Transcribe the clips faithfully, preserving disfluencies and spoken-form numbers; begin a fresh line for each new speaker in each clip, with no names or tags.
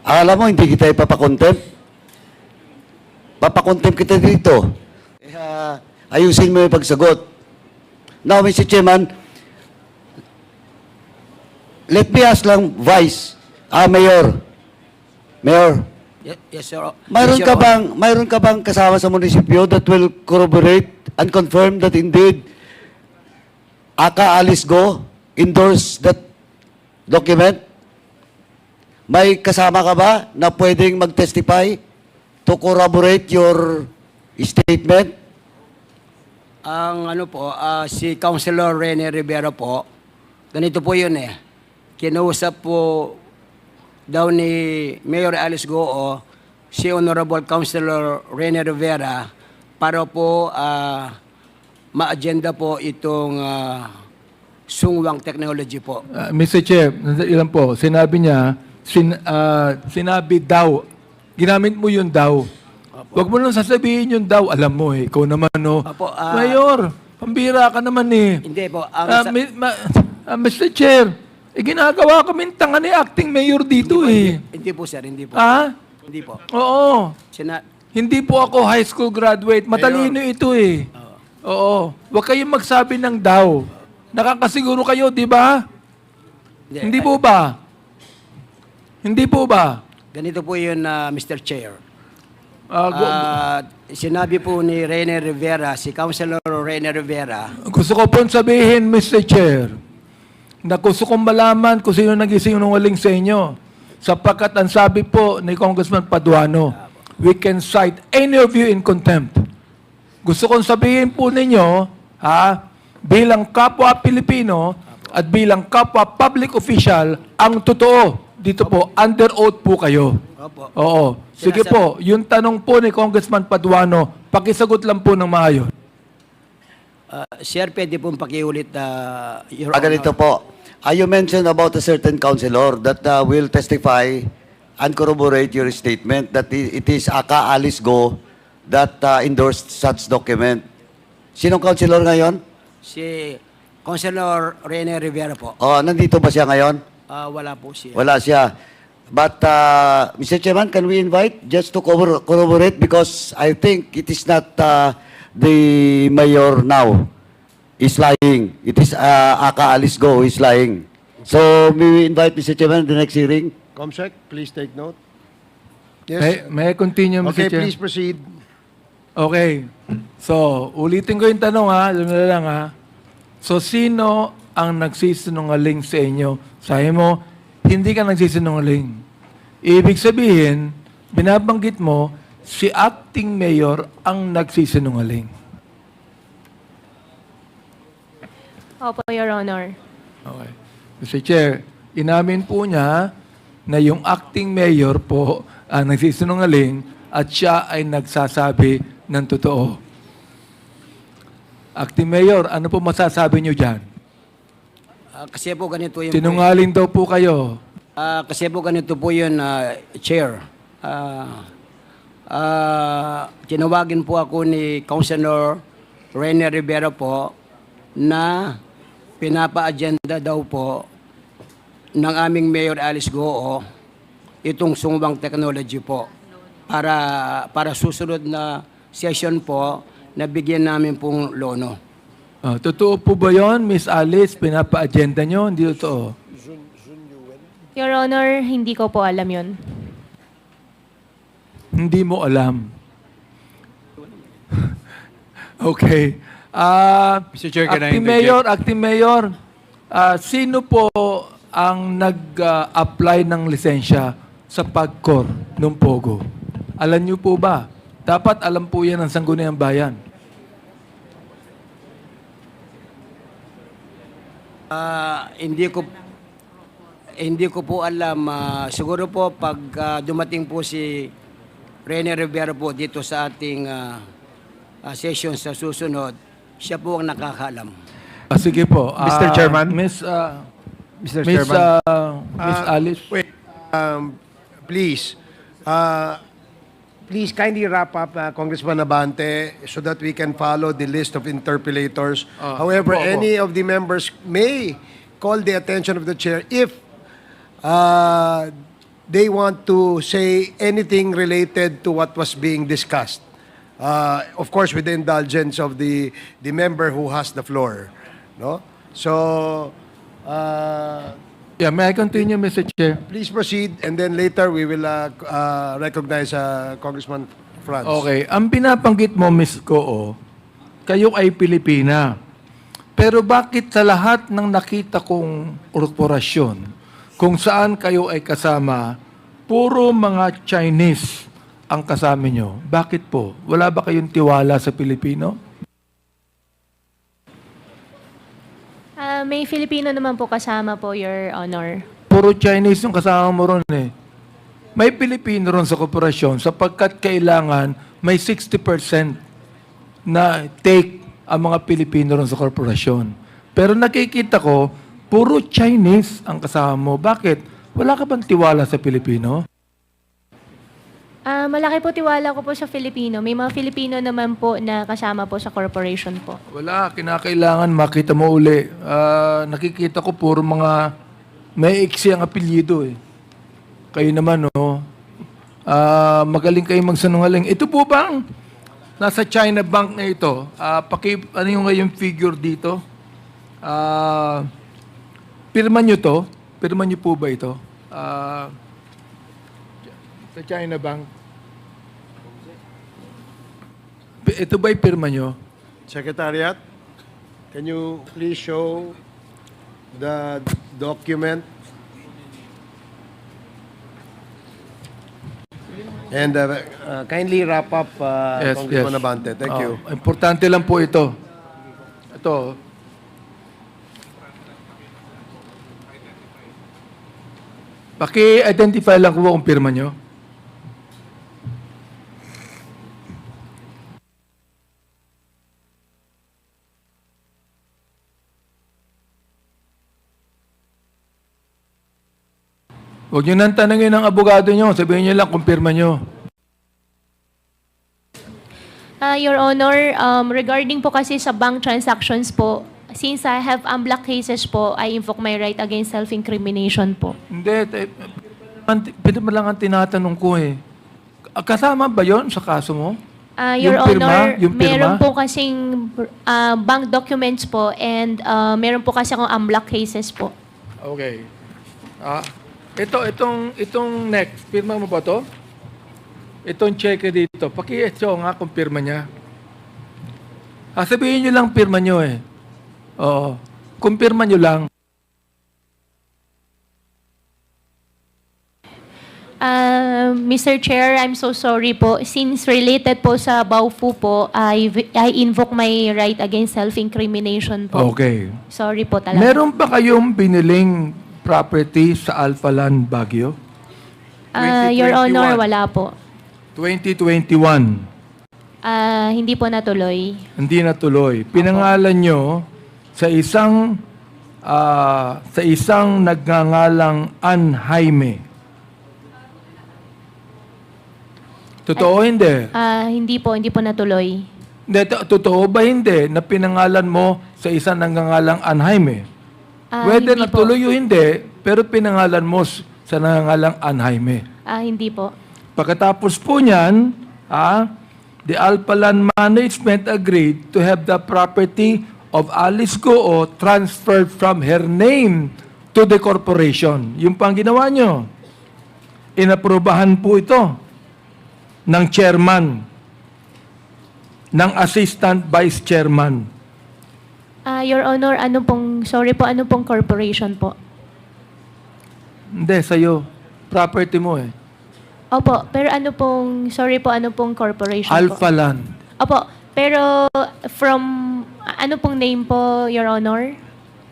Akala mo hindi kita ipapakontempt? Papakontempt kita dito. Uh, ayusin mo yung pagsagot. Now, Mister Chairman, let me ask lang, Vice, ah, Mayor, Mayor,
Yes, yes, sir.
mayroon
Yes,
ka
Your
bang, mayroon ka bang kasama sa munisipyo that will corroborate and confirm that indeed Aka Alice Go endorse that document? May kasama ka ba na pwedeng mag-testify to corroborate your statement?
Ang ano po, ah, si Councilor Rene Rivera po, ganito po yun eh. Kinausap po daw ni Mayor Alice Goo si Honorable Councilor Rene Rivera para po ah, ma-agenda po itong ah, sungwang technology po.
Uh, Mister Chair, ilan po, sinabi niya, sin, ah, sinabi daw, ginamit mo yung daw. Huwag mo nang sasabihin yung daw, alam mo eh, ikaw naman no.
Apo, ah,
Mayor, pambira ka naman eh.
Hindi po. Ang
Ah,
sa-
mi- ma- ah, Mister Chair, eh, ginagawa kaming tanga ni acting mayor dito eh.
hindi po sir, hindi po.
Ah?
Hindi po.
Oo.
Sina
Hindi po ako high school graduate. Matalino ito eh. Oo. Huwag kayong magsabi ng daw. Nakakasiguro kayo, di ba? Hindi po ba? Hindi po ba?
Ganito po yun, ah, Mister Chair.
Ah, gu-
Ah, sinabi po ni Rene Rivera, si Councilor Rene Rivera,
gusto ko pong sabihin, Mister Chair, na gusto kong malaman kung sino nag-isinungaling sa inyo. Sapagkat ang sabi po ni Congressman Paduano, we can cite any of you in contempt. Gusto kong sabihin po ninyo, ha, bilang kapwa Pilipino at bilang kapwa public official, ang totoo, dito po, under oath po kayo.
Opo.
Oo. Sige
Sinasabi-
po, yung tanong po ni Congressman Paduano, pakisagot lang po ng maayos.
ah, Sir, pwede pong pakiulit, ah, Your
Ah, ganito
Honor.
po. Ah, you mentioned about a certain councilor that uh, will testify and corroborate your statement that i- it is Aka Alice Go that uh, endorsed such document. Sinong councilor ngayon?
Si Councilor Rene Rivera po.
Oh, nandito ba siya ngayon?
Ah, wala po siya.
Wala siya. But, uh, Mister Chairman, can we invite just to corrobor- corroborate because I think it is not uh, the mayor now is lying. It is uh, Aka Alice Go who is lying. So, may we invite Mister Chairman the next hearing?
Comsec, please take note.
May,
Yes.
may I continue, Mister
Okay,
Chair?
please proceed.
Okay. So, ulitin ko yung tanong ha. Alam na lang ha. So, sino ang nagsisinungaling sa inyo? Sabi mo, hindi ka nagsisinungaling. Ibig sabihin, binabanggit mo, si acting mayor ang nagsisinungaling.
Opo, Your Honor.
Okay. Mister Chair, inamin po niya na yung acting mayor po ang nagsisinungaling at siya ay nagsasabi ng totoo. Acting mayor, ano po masasabi niyo dyan?
Ah, kasi po ganito yung...
Sinungaling daw po kayo.
Ah, kasi po ganito po yun, ah, Chair. Ah, ah, tinawagin po ako ni Councilor Rene Rivera po na pinapa-agenda daw po ng aming Mayor Alice Goo itong sungwang technology po para para susunod na session po na bigyan namin pong lono.
Ah, totoo po ba yun, Miss Alice? Pinapa-agenda nyo? Hindi totoo.
Your Honor, hindi ko po alam yun.
Hindi mo alam. Okay. Ah,
Mister Chair, can I
acting
interject?
mayor, acting mayor, ah, sino po ang nag-apply ng lisensya sa PAGCOR ng Pogo? Alam niyo po ba? Dapat alam po yan ng Sangguniang Bayan.
Ah, hindi ko hindi ko po alam. Ah, siguro po pag ah, dumating po si Rene Rivera po dito sa ating ah, ah, session sa susunod, siya po ang nakakaalam.
Ah, sige po.
Mister
Ah,
Chairman?
Miss, ah,
Mister
Miss,
Chairman.
ah, Miss
Uh,
Alice.
Wait, um, please. Uh, please kindly wrap up, uh, Congressman Abante, so that we can follow the list of interpellators.
Ah,
However,
opo, opo.
any of the members may call the attention of the chair if uh, they want to say anything related to what was being discussed. Uh, of course, with the indulgence of the the member who has the floor, no? So, uh,
Yeah, may I continue, Mister Chair?
please proceed, and then later we will uh, uh, recognize uh, Congressman Franz.
Okay, ang binabanggit mo, Miz Goo, kayo ay Pilipina. Pero bakit sa lahat ng nakita kong korporasyon, kung saan kayo ay kasama, puro mga Chinese ang kasama nyo? Bakit po? Wala ba kayong tiwala sa Pilipino?
Ah, may Filipino naman po kasama po, Your Honor.
Puro Chinese yung kasama mo ron eh. May Pilipino ron sa korporasyon sapagkat kailangan may sixty percent na take ang mga Pilipino ron sa korporasyon. Pero nakikita ko, puro Chinese ang kasama mo. Bakit? Wala ka bang tiwala sa Pilipino?
Ah, malaki po tiwala ko po sa Filipino. May mga Filipino naman po na kasama po sa corporation po.
Wala, kinakailangan makita mo uli. Ah, nakikita ko puro mga may iksi ang apelyido eh. Kayo naman, no? Ah, magaling kayo magsanungaling. Ito po bang nasa China Bank na ito? Ah, paki, ano yung ngayong figure dito? Ah, pirma nyo to? Pirma nyo po ba ito? Ah, sa China Bank. Ito ba'y pirma nyo?
Secretariat, can you please show the document? And uh, uh, kindly wrap up, uh,
Yes,
Congressman
yes.
Abante. Thank
Oh,
you.
Importante lang po ito. Ito. Paki-identify lang ko kung pirma nyo. Huwag nyo nang tanongin ng abogado nyo. Sabihin nyo lang kung pirma nyo.
Ah, Your Honor, um, regarding po kasi sa bank transactions po, since I have unblocked cases po, I invoke my right against self-incrimination po.
Hindi. te- Pwede mo lang ang tinatanong ko eh. Kasama ba yon sa kaso mo?
Ah, Your
Yung pirma?
Honor,
Yung pirma?
meron po kasing ah, bank documents po and ah, meron po kasi akong unblocked cases po.
Okay. Ah, ito, itong, itong next, pirma mo ba to? Itong check dito, paki-show nga kung pirma niya. Ah, sabihin nyo lang pirma nyo eh. Oo. Kung pirma nyo lang.
Ah, Mister Chair, I'm so sorry po. Since related po sa Baofu po, I, I invoke my right against self-incrimination po.
Okay.
Sorry po talaga.
Meron ba kayong biniling property sa Alpha Land Baguio?
Ah, Your Honor, wala po.
twenty twenty-one.
Ah, hindi po natuloy.
Hindi natuloy. Pinangalan nyo sa isang ah, sa isang nagngangalang Ann Jaime. Totoo hindi?
Ah, hindi po, hindi po natuloy.
Hindi, to- totoo ba hindi na pinangalan mo sa isang nagngangalang Ann Jaime?
Ah,
Whether
hindi po.
natuloy o hindi, pero pinangalan mo s- sa nagngangalang Ann Jaime.
Ah, hindi po.
Pagkatapos po niyan, ah, the Alpha Land Management agreed to have the property of Alice Goo transferred from her name to the corporation. Yung pang ginawa nyo. Inaprubahan po ito ng chairman, ng assistant vice chairman.
Ah, Your Honor, ano pong, sorry po, ano pong corporation po?
Hindi, sa'yo. Property mo eh.
Opo, pero ano pong, sorry po, ano pong corporation
Alpha
po?
Land.
Opo, pero from, ano pong name po, Your Honor?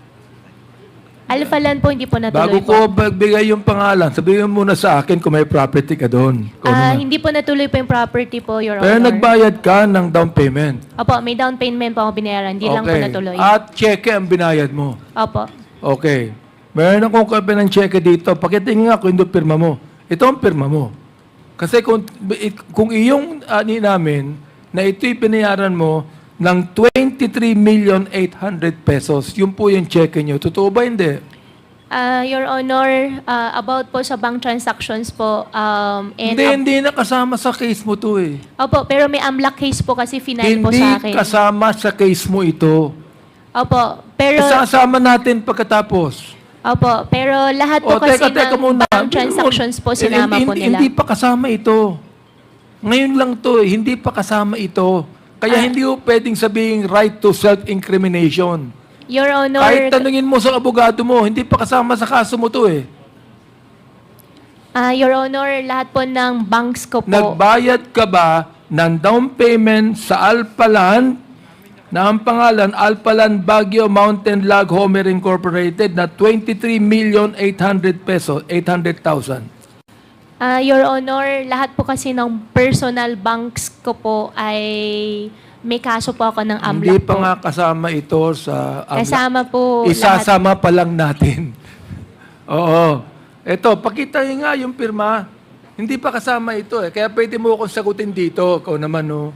Alpha Land po, hindi po
Bago
natuloy po.
ko magbigay yung pangalan, sabihin mo muna sa akin kung may property ka doon. Kung
Ah,
ano.
hindi po natuloy po yung property po, Your
Pero
Honor.
nagbayad ka ng down payment.
Opo, may down payment po ako binayaran, hindi lang po natuloy.
At cheque ang binayad mo.
Opo.
Okay. Meron akong copy ng cheque dito. Pakitingin nga kung hindi pirma mo. Ito ang pirma mo. Kasi kung, kung iyong ani namin na ito'y binayaran mo ng twenty-three million eight hundred pesos, yun po yung cheque nyo. Totoo ba hindi?
Ah, Your Honor, ah, about po sa bank transactions po, um, and
Hindi, hindi na kasama sa case mo to eh.
Opo, pero may AMLAC case po kasi final po
Hindi
sa akin.
kasama sa case mo ito.
Opo, pero
Isasama natin pagkatapos.
Opo, pero lahat po
O,
kasi
teka, teka
ng
muna.
bank transactions po
Eh,
sinama
hindi,
po
hindi-
nila.
Hindi pa kasama ito. Ngayon lang to, eh, hindi pa kasama ito. Kaya
Ah.
hindi mo pwedeng sabihin right to self-incrimination.
Your Honor,
Kahit tanungin mo sa abogado mo, hindi pa kasama sa kaso mo to eh.
ah, Your Honor, lahat po ng banks ko po.
Nagbayad ka ba ng down payment sa Alpaland na ang pangalan Alpaland Baguio Mountain Lag Homer Incorporated na twenty-three million eight hundred pesos, eight hundred thousand?
Ah, Your Honor, lahat po kasi ng personal banks ko po ay may kaso po ako ng AMLAC
Hindi pa
po.
nga kasama ito sa AMLAC.
Kasama po
Isasama pa lang natin. Oo. Ito, pakita niyo nga yung pirma. Hindi pa kasama ito eh. Kaya pwede mo akong sagutin dito. Ikaw naman, no?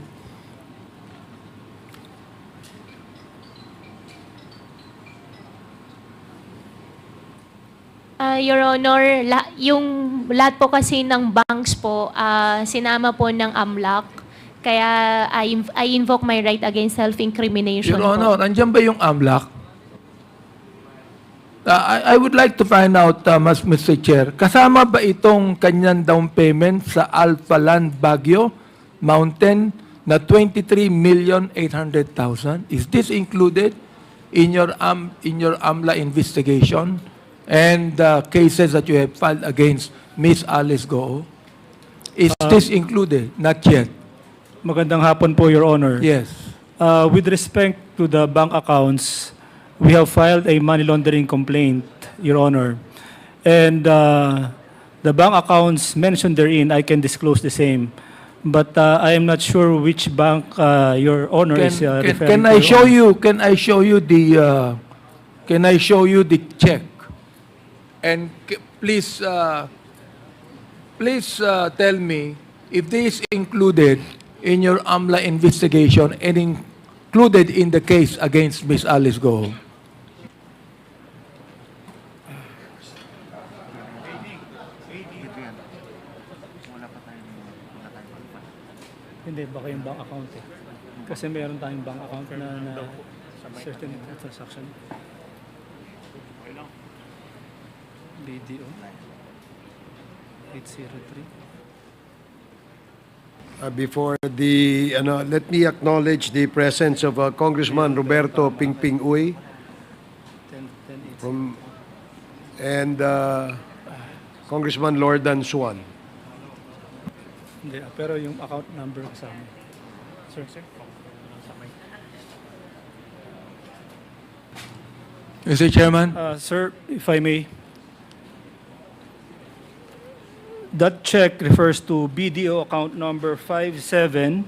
Ah, Your Honor, la- yung lahat po kasi ng banks po, ah, sinama po ng AMLAC. Kaya I, inv- I invoke my right against self-incrimination
Your Honor,
po.
andyan ba yung AMLAC? Uh, I, I would like to find out, uh, Mas Mister Chair, kasama ba itong kanyang down payment sa Alpha Land Baguio Mountain na twenty-three million eight hundred thousand? Is this included in your um, in your AMLA investigation and uh, cases that you have filed against Miss Alice Goo? Is this included? Not yet.
Magandang hapon po, Your Honor.
Yes.
Uh, with respect to the bank accounts, we have filed a money laundering complaint, Your Honor. And uh, the bank accounts mentioned therein, I can disclose the same. But uh, I am not sure which bank uh, Your Honor
Can,
is uh,
can,
referring
can
to.
I
Your
show
Honor.
you? Can I show you the? Uh, can I show you the check? And c- please, uh, please uh, tell me if this is included in your AMLA investigation and included in the case against Miss Alice Go.
Hindi, baka yung bank account eh. Kasi meron tayong bank account na, na certain transaction. B D O eight zero three.
Uh, before the, ano, let me acknowledge the presence of uh, Congressman Roberto Pingping Uy
ten ten eight.
from, and uh, Congressman Lordan Suan.
Hindi, ah, pero yung account number kasama. Sir, sir.
Mister Chairman.
Uh, sir, if I may. That check refers to B D O account number five seven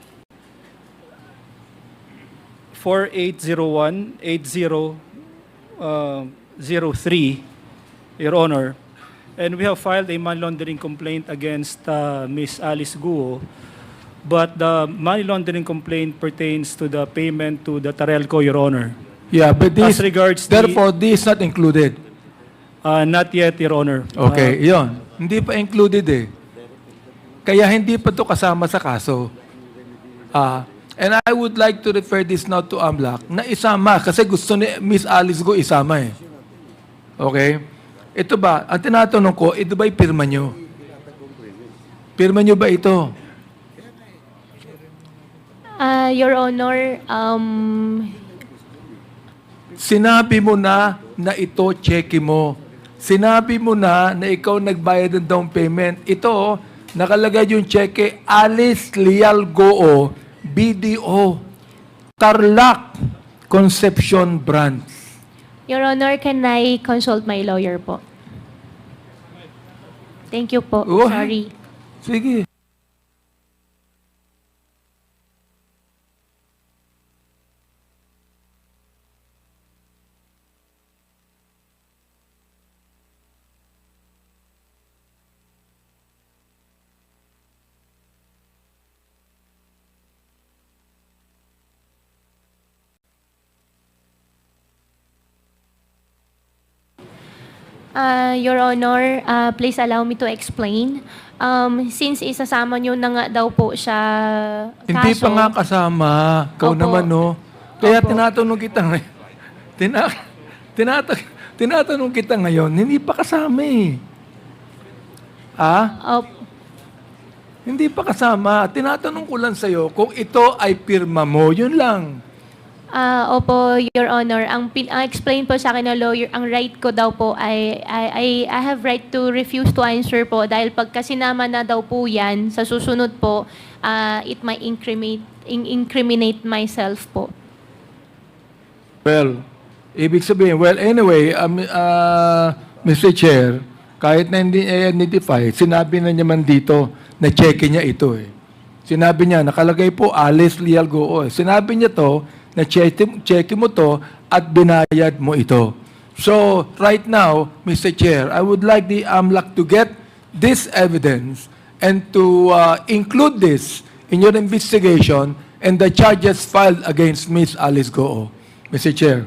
four eight zero one eight zero zero three, Your Honor. And we have filed a money laundering complaint against uh, Miss Alice Guo. But the money laundering complaint pertains to the payment to the Tarelco, Your Honor.
Yeah, but this,
As regards the-
therefore, this is not included.
Uh, not yet, Your Honor.
Okay, yon. Hindi pa included eh. Kaya hindi pa to kasama sa kaso. Ah, and I would like to refer this now to AMLAC na isama kasi gusto ni Miss Alice Go isama eh. Okay? Ito ba, ang tinatanong ko, ito ba'y pirma nyo? Pirma nyo ba ito?
Ah, Your Honor, um,
Sinabi mo na na ito cheque mo. Sinabi mo na na ikaw nagbayad ng down payment. Ito, nakalagay yung cheque, Alice Leal Goo, B D O, Tarlac Conception Branch.
Your Honor, can I consult my lawyer po? Thank you po.
Oh.
Sorry.
Sige.
Uh, Your Honor, uh, please allow me to explain. Um, since isasama nyo na nga daw po siya
Hindi
kaso,
pa nga kasama. Ikaw
Opo.
naman, no? Kaya
Opo.
tinatanong kita ngayon. Tina, tinata, tinatanong kita ngayon, hindi pa kasama eh. Ah?
Op-
Hindi pa kasama. Tinatanong ko lang sa'yo kung ito ay pirma mo. Yun lang.
Ah, opo, Your Honor. Ang pin ang explain po sa akin ng lawyer, ang right ko daw po ay I, I, I have right to refuse to answer po dahil pagka sinama na daw po yan, sa susunod po, ah, it might incriminate, in- incriminate myself po.
Well, ibig sabihin, well, anyway, um, uh, Mister Chair, kahit na hindi identify, sinabi na niya man dito na check niya ito eh. Sinabi niya, nakalagay po Alice Leal Goo. Eh. Sinabi niya to, na check, check mo to at binayad mo ito. So, right now, Mister Chair, I would like the AMLAC to get this evidence and to uh, include this in your investigation and the charges filed against Miss Alice Goo. Mister Chair.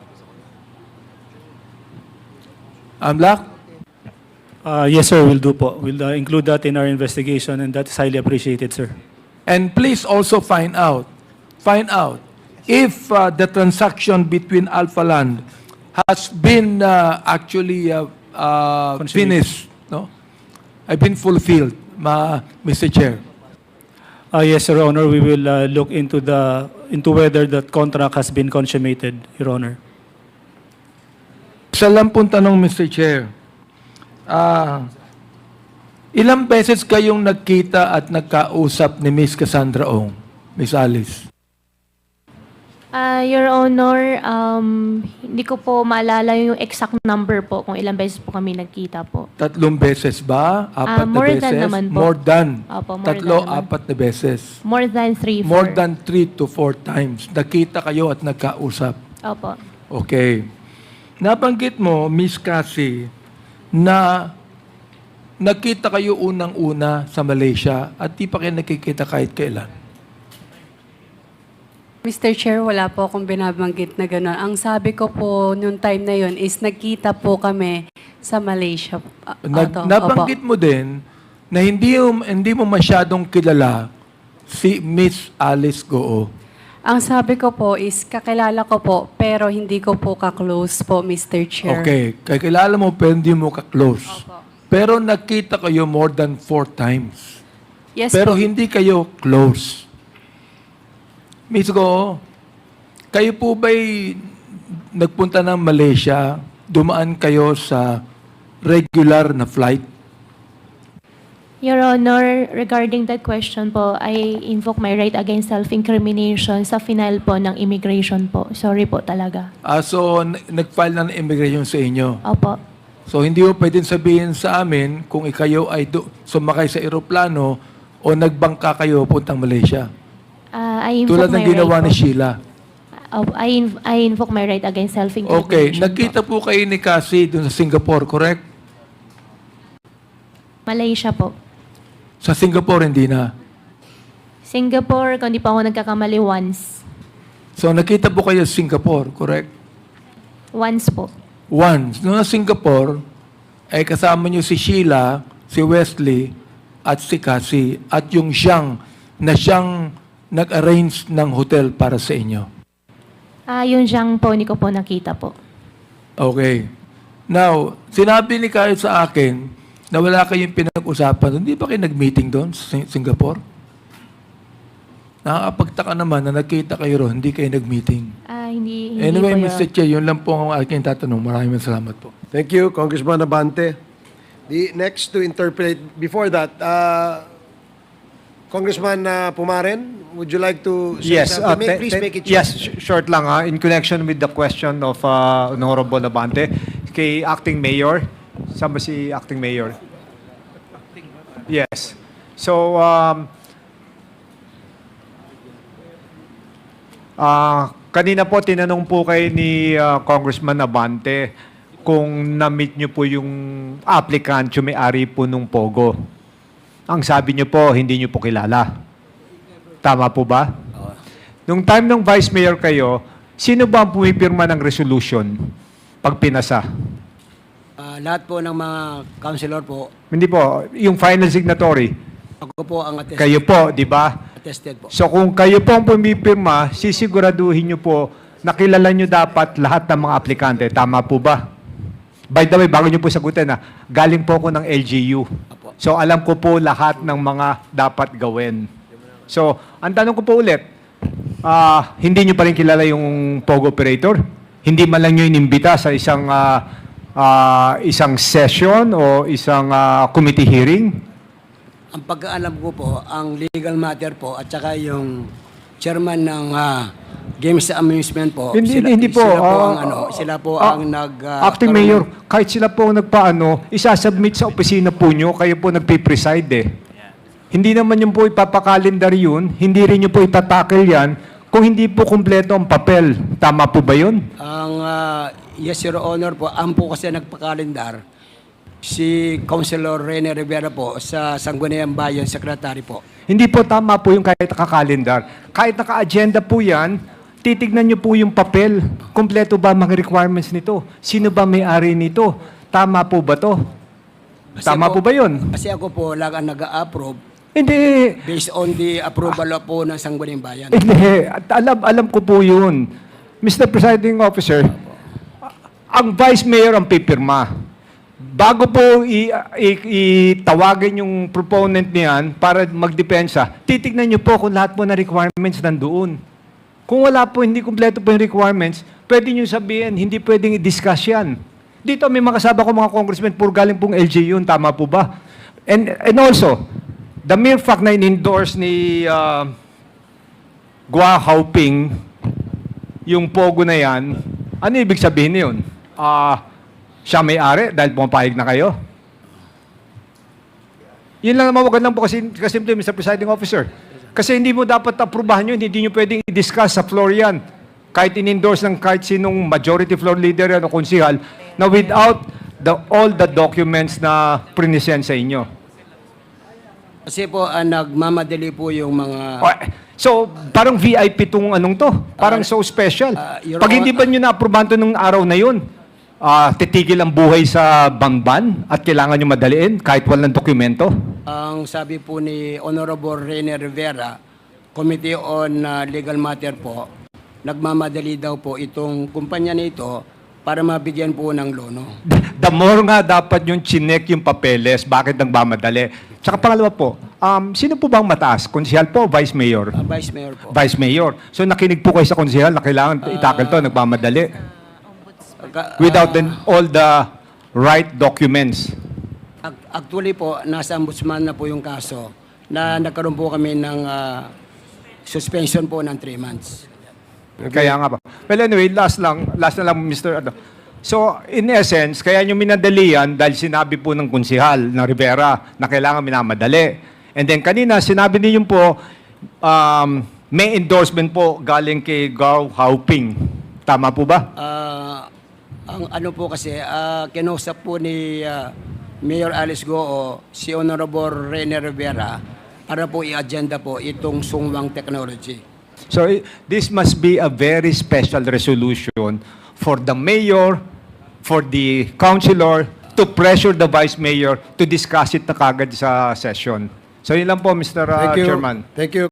AMLAC?
Uh, yes, sir, we'll do po. We'll uh, include that in our investigation, and that is highly appreciated, sir.
And please also find out, find out if uh, the transaction between Alpha Land has been uh, actually uh, uh,
Consummated.
finished, no? I've been fulfilled, ma, Mister Chair.
Uh, yes, Your Honor, we will uh, look into the into whether that contract has been consummated, Your Honor.
Isa lang pong tanong, Mister Chair. Ah, ilang beses kayong nagkita at nagkausap ni Miss Cassandra Ong, Miss Alice?
Ah, Your Honor, um, hindi ko po maalala yung exact number po kung ilang beses po kami nagkita po.
Tatlong beses ba? Apat
Ah,
na
more
beses?
than naman po.
More than.
Opo, more
Tatlo,
than naman.
apat na beses.
More than three,
More
four.
than three to four times. Nakita kayo at nagkausap.
Opo.
Okay. Nabanggit mo, Miss Cassie, na nakita kayo unang-una sa Malaysia at di pa kayo nakikita kahit kailan.
Mister Chair, wala po akong binabanggit na gano'n. Ang sabi ko po noong time na yon is nagkita po kami sa Malaysia. Ah,
Nag,
oto,
nabanggit
opo.
mo din na hindi, mo- hindi mo masyadong kilala si Miss Alice Goo.
Ang sabi ko po is kakilala ko po pero hindi ko po ka-close po, Mister Chair.
Okay. Kakilala mo pero hindi mo ka-close.
Opo.
Pero nakita kayo more than four times.
Yes
Pero
po.
hindi kayo close. Miss Go, kayo po ba'y nagpunta ng Malaysia, dumaan kayo sa regular na flight?
Your Honor, regarding that question po, I invoke my right against self-incrimination sa final po ng immigration po. Sorry po talaga.
Ah, so, n- nag-file na ng immigration sa inyo.
Opo.
So, hindi mo pwedeng sabihin sa amin kung ikayo ay do- sumakay sa eroplano o nagbangka kayo puntang Malaysia.
Ah, I invoke
Tulad
my
ng ginawa
right
ni
po.
Sheila.
Oh, I, inv- I invoke my right against self-incrimination
Okay,
po.
nagkita po kayo ni Cassie doon sa Singapore, correct?
Malaysia po.
Sa Singapore, hindi na.
Singapore, kung di pa ako nagkakamali, once.
So, nakita po kayo sa Singapore, correct?
Once po.
Once. Noong sa Singapore, ay kasama niyo si Sheila, si Wesley, at si Cassie, at yung siyang, na siyang nag-arrange ng hotel para sa inyo.
Ah, yung Zhang po, hindi ko po nakita po.
Okay. Now, sinabi ni Kyle sa akin na wala kayong pinag-usapan. Hindi ba kayo nag-meeting doon sa Sing- Singapore? Nakakapagtaka naman na nakita kayo ron, hindi kayo nag-meeting.
Ah, hindi, hindi
Anyway,
po
Mister
yun.
Chair, yun lang po ang aking tatanong. Maraming salamat po.
Thank you, Congressman Abante. The next to interpret, before that, uh, Congressman uh, Pumaren, would you like to say
Yes, uh,
something? May-
te-
please
te-
make it short.
Yes, sh- short lang ha. In connection with the question of uh, Honorable Abante, kay Acting Mayor. Saan ba si Acting Mayor? Yes. So, um, ah, kanina po tinanong po kay ni uh, Congressman Abante kung na-meet niyo po yung applicant, yung may-ari po nung Pogo. Ang sabi niyo po, hindi niyo po kilala. Tama po ba? Nung time ng Vice Mayor kayo, sino ba ang pumipirma ng resolution pag pinasa?
Ah,
Ah, lahat po ng mga councilor po,
Hindi po, yung final signatory,
ako po ang attested,
kayo po, di ba?
attested po.
So kung kayo po ang pumipirma, sisiguraduhin nyo po na kilala nyo dapat lahat ng mga aplikante. Tama po ba? By the way, bago nyo po sagutin, ha, galing po ako ng L G U.
Apo.
So alam ko po lahat ng mga dapat gawin. So, ang tanong ko po ulit, ah, hindi nyo pa rin kilala yung Pogo operator? Hindi man lang nyo inimbita sa isang ah, ah, isang session o isang ah, committee hearing?
Ang pagkaalam ko po, ang legal matter po at saka yung chairman ng ah, Games and Amusement po,
Hindi,
sila,
hindi po.
sila po
Ah,
ang ano, sila po
ah,
ang nag ah,
Acting
karoon-
Mayor, kahit sila po ang nagpaano, isasubmit sa opisina po nyo, kayo po nagpipreside eh. Hindi naman yung po ipapakalendar yun, hindi rin yung po itatakil yan, kung hindi po kumpleto ang papel. Tama po ba yun?
Ang ah, yes, Your Honor po, ang po kasi nagpakalendar, si Councilor Rene Rivera po sa Sangguniang Bayan Secretary po.
Hindi po tama po yung kahit nakakalendar. Kahit naka-agenda po yan, titignan nyo po yung papel. Kumpleto ba mga requirements nito? Sino ba may-ari nito? Tama po ba to?
Kasi
Tama po
ako-
ba yun?
Kasi ako po lang ang nag-a-approve
Hindi.
based on the approval po ng Sangguniang Bayan.
Hindi. At alam, alam ko po yun. Mister Presiding Officer, ang Vice Mayor ang pipirma. Bago po i- i- itawagin yung proponent niyan para magdepensa, titignan niyo po kung lahat po na requirements nandoon. Kung wala po, hindi kumpleto po yung requirements, pwede niyo sabihin, hindi pwedeng i-discuss yan. Dito may makasama ko mga congressmen, puro galing pong L G U, tama po ba? And, and also, the mere fact na in-endorse ni uh, Gua Hauping yung pogo na yan, ano ibig sabihin yun? Ah, siya may-ari dahil pumapayag na kayo? Yun lang naman, wag lang po kasi, kasi Mister Presiding Officer. Kasi hindi mo dapat aprubahan yun, hindi nyo pwedeng i-discuss sa floor yan. Kahit in-endorse ng kahit sinong majority floor leader yan o konsihal, na without the, all the documents na prinisend sa inyo.
Kasi po, ah, nagmamadali po yung mga...
O, So, parang V I P tong anong to. Parang so special.
uh, Your
Pag hindi
Hon-
ba nyo na-aprobahan to nung araw na yun, ah, titigil ang buhay sa bangban at kailangan nyo madaliin kahit walang dokumento?
Ang sabi po ni Honorable Rene Rivera, Committee on ah, Legal Matter po, nagmamadali daw po itong kumpanya na ito para mabigyan po ng lono.
The more nga dapat yung chinek yung papeles, bakit nagmamadali? Tsaka pangalawa po, um, sino po bang mataas? Konsihal po o Vice Mayor?
Ah, Vice Mayor po.
Vice Mayor. So nakinig po kayo sa konsihal na kailangan itakil to, nagmamadali.
Pagka-
Without
ah,
then all the right documents.
ac- Actually po, nasa ombudsman na po yung kaso na nagkaroon po kami ng ah, suspension po ng three months.
Kaya nga ba. Well, anyway, last lang, last na lang, Mister Ano. So, in essence, kaya nyo minadali yan dahil sinabi po ng konsihal ng Rivera na kailangan minamadali. And then kanina, sinabi niyo po, um, may endorsement po galing kay Gao Hauping. Tama po ba?
Ah, ang ano po kasi, ah, kinausap po ni ah, Mayor Alice Goo si Honorable Rene Rivera para po i-agenda po itong sungwang technology.
So, i- this must be a very special resolution for the mayor, for the councilor, to pressure the vice mayor to discuss it na kagad sa session. So, yun lang po, Mister uh,
Thank you.
Chairman.
Thank you,